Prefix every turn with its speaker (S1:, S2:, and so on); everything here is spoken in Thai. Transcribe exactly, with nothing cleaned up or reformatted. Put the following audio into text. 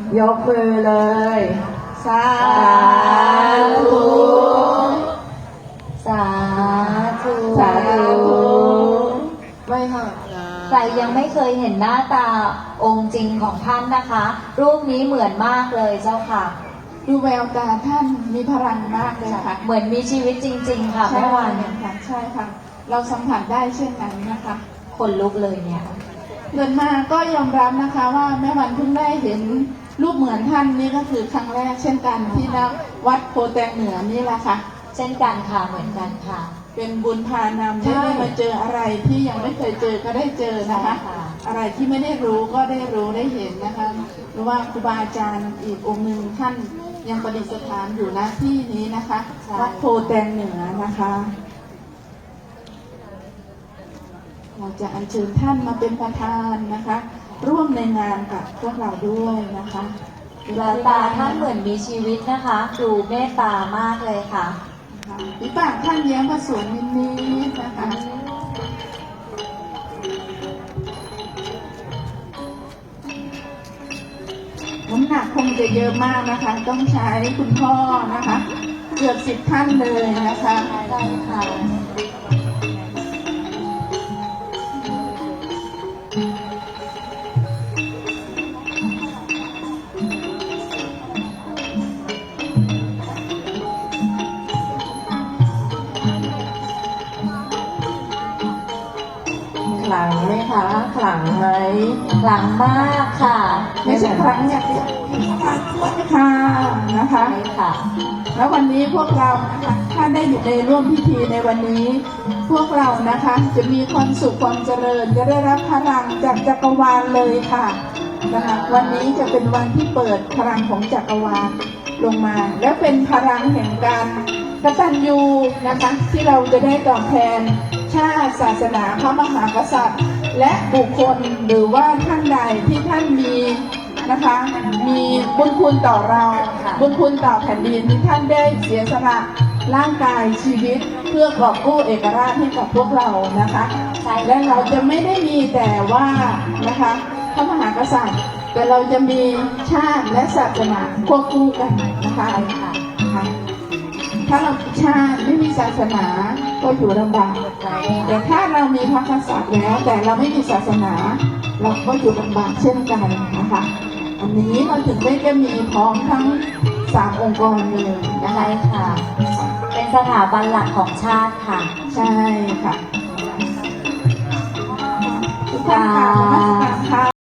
S1: ยกมือเลยสาธุสาธุสาธุไม่ค่ะใครยังไม่เคยเห็นหน้าตาองค์จริงของท่านนะคะ รูปนี้เหมือนมากเลยเจ้าค่ะ
S2: ดูแววตาท่านมีพลังมากเลยค่ะ
S1: เหมือนมีชีวิตจริงๆค่ะแม่วัน
S2: ค่ะใช่ค่ะเราสัมผัสได้เช่นนั้นนะคะ
S1: คนลุกเลยเนี่ย
S2: เดินมาก็ยอมรับนะคะว่าแม่วันเพิ่งได้เห็นรูปเหมือนท่านนี่ก็คือครั้งแรกเช่นกันที่ณวัดโพแตงเหนือนี่แหละค่ะ
S1: เช่นกันค่ะเหมือนกันค่ะ
S2: เป็นบุญพานำที่ได้มาเจออะไรที่ยังไม่เคยเจอก็ได้เจอนะคะอะไรที่ไม่ได้รู้ก็ได้รู้ได้เห็นนะคะหรือว่าครูบาอาจารย์อีกองค์หนึ่งท่านยังประดิษฐานอยู่ณที่นี้นะคะวัดโพแตงเหนือนะคะเราจะอัญเชิญท่านมาเป็นประธานนะคะร่วมในงานกับพวกเราด้วยนะคะ
S1: แววตาท่านเหมือนมีชีวิตนะคะดูเมตตามากเลยค่ะ
S2: ปีปากท่านแย้มมาสวยนิดๆนะคะน้ำหนักคงจะเยอะมากนะคะต้องใช้คุณพ่อนะคะเกือบสิบท่านเลยนะคะ
S1: ได้ค่ะ
S2: ขลังไหมคะขลังไหม
S1: ขลังมากค่ะ
S2: ไม่ใช่ขลังอย่างเดียวค่ะนะคะ
S1: ใช่ค่ะ
S2: แล้ววันนี้พวกเราถ้าได้อยู่ในร่วมพิธีในวันนี้ พวกเรานะคะจะมีความสุขความเจริญจะได้รับพลังจากจักรวาลเลยค่ะนะคะวันนี้จะเป็นวันที่เปิดพลังของจักรวาลลงมาและเป็นพลังแห่งการกตัญญูนะคะที่เราจะได้ตอบแทนชาติศาสนาพระมหากษัตริย์และบุคคลหรือว่าท่านใดที่ท่านมีนะคะมีบุญคุณต่อเราบุญคุณต่อแผ่นดินที่ท่านได้เสียสละร่างกายชีวิตเพื่อกอบกู้เอกราชให้กับพวกเรานะคะและเราจะไม่ได้มีแต่ว่านะคะพระมหากษัตริย์แต่เราจะมีชาติและศาสนาควบคู่กันนะคะถ้าเราชาติไม่มีศาสนาก็อยู่ลำบากแต่ถ้าเรามีพระกษัตริย์แล้วแต่เราไม่มีศาสนาเราก็อยู่ลำบากเช่นกันนะคะอันนี้เราถึงได้จะมีพร้อมทั้งสามองค์กรเลย
S1: นะคะค่ะเป็นสถาบันหลักของชาติค่ะ
S2: ใช่ค่ะทุกท่านค่ะ